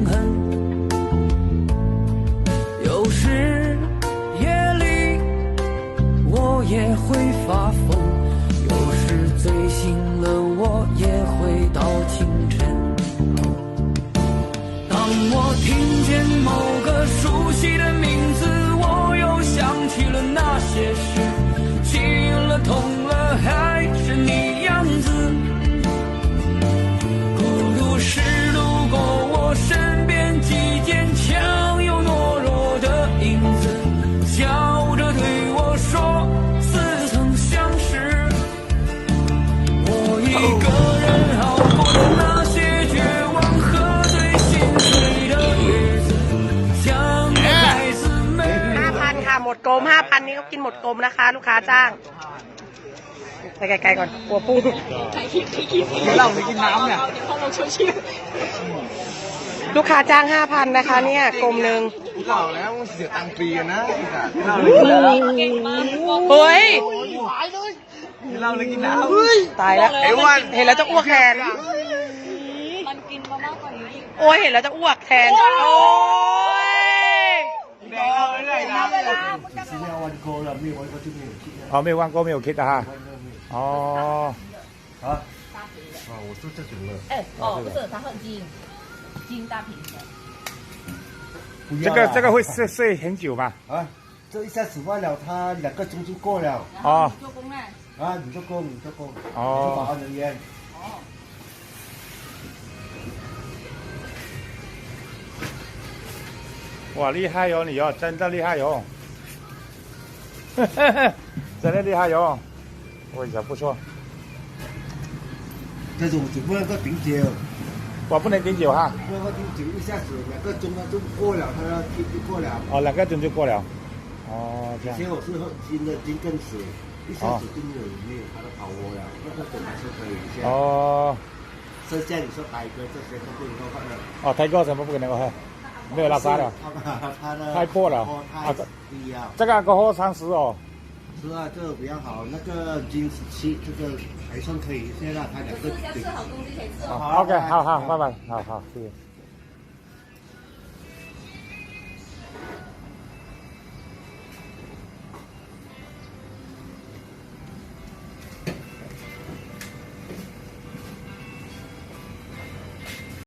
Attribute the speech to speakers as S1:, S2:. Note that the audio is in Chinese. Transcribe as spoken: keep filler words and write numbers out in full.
S1: 恨。有时夜里我也会发疯，有时醉醒了我也会到清晨。当我听见某个熟悉的名字，我又想起了那些事，气了痛了还是你样子。孤独是路过我身边既坚强又懦弱的影子，笑着对我说似曾相识。我一个人熬过了那些绝望喝醉心碎的日子，像个孩子们。
S2: ห้าพันค่ะหมดกลมห้าพันนี้เขากินหมดกลมนะคะลูกค้าจ้างไปไกลๆก่อนกลัวปูเราไม่กินน้ำเนี่ยลูกค้าจ้างห้าพันนะคะเนี่ยกลมหนึ่ง
S3: บอกแล้วเสียตังค์ฟรีนะ
S2: เฮ้ย
S3: เราเลยกินน้ำ
S2: ตายแล้ว
S3: ไอ้วัน
S2: เห็นแล้วจะอ้วกแทน
S4: มันกินมามากกว่านี้
S2: โอ้ยเห็นแล้วจะอ้วกแทนโอ้ย
S5: 哦，没有玩过，没有 kid 哈。哦。
S3: 啊？啊，我说这种了。
S4: 哎，哦，不是，它很精，精大瓶的。
S5: 这个这个会睡睡很久吗？
S3: 啊，这一下子坏了，他两个钟就过了。
S5: 哦。
S4: 做工呢？
S3: 啊，你做工，你做工。
S5: 哦。
S3: 你是保安人员。
S4: 哦。
S5: 哇，厉害哟你哦，真的厉害哟！真的厉害哟！味道不错。
S3: 这种只不能够顶酒，
S5: 我不能顶酒哈。
S3: 不能够顶酒，一下子两个钟它就过了，它就就过了。
S5: 哦，两个钟就过了。哦，这样。
S3: 以前我是喝金的金更死，一下子就没有没有它的跑窝了，那个本来是可以一下。
S5: 哦。
S3: 剩下你说白哥这些都不能够换了。
S5: 哦，泰哥什么不能够喝？没有拉沙的。
S3: 它的
S5: 太破了。
S3: 啊，低啊。
S5: 这个过后三十哦。
S3: 是啊，这个比较好，那个金十七这个还算可以，现在它两个顶。
S5: 好 ，OK， 好好，拜拜，好好，谢谢。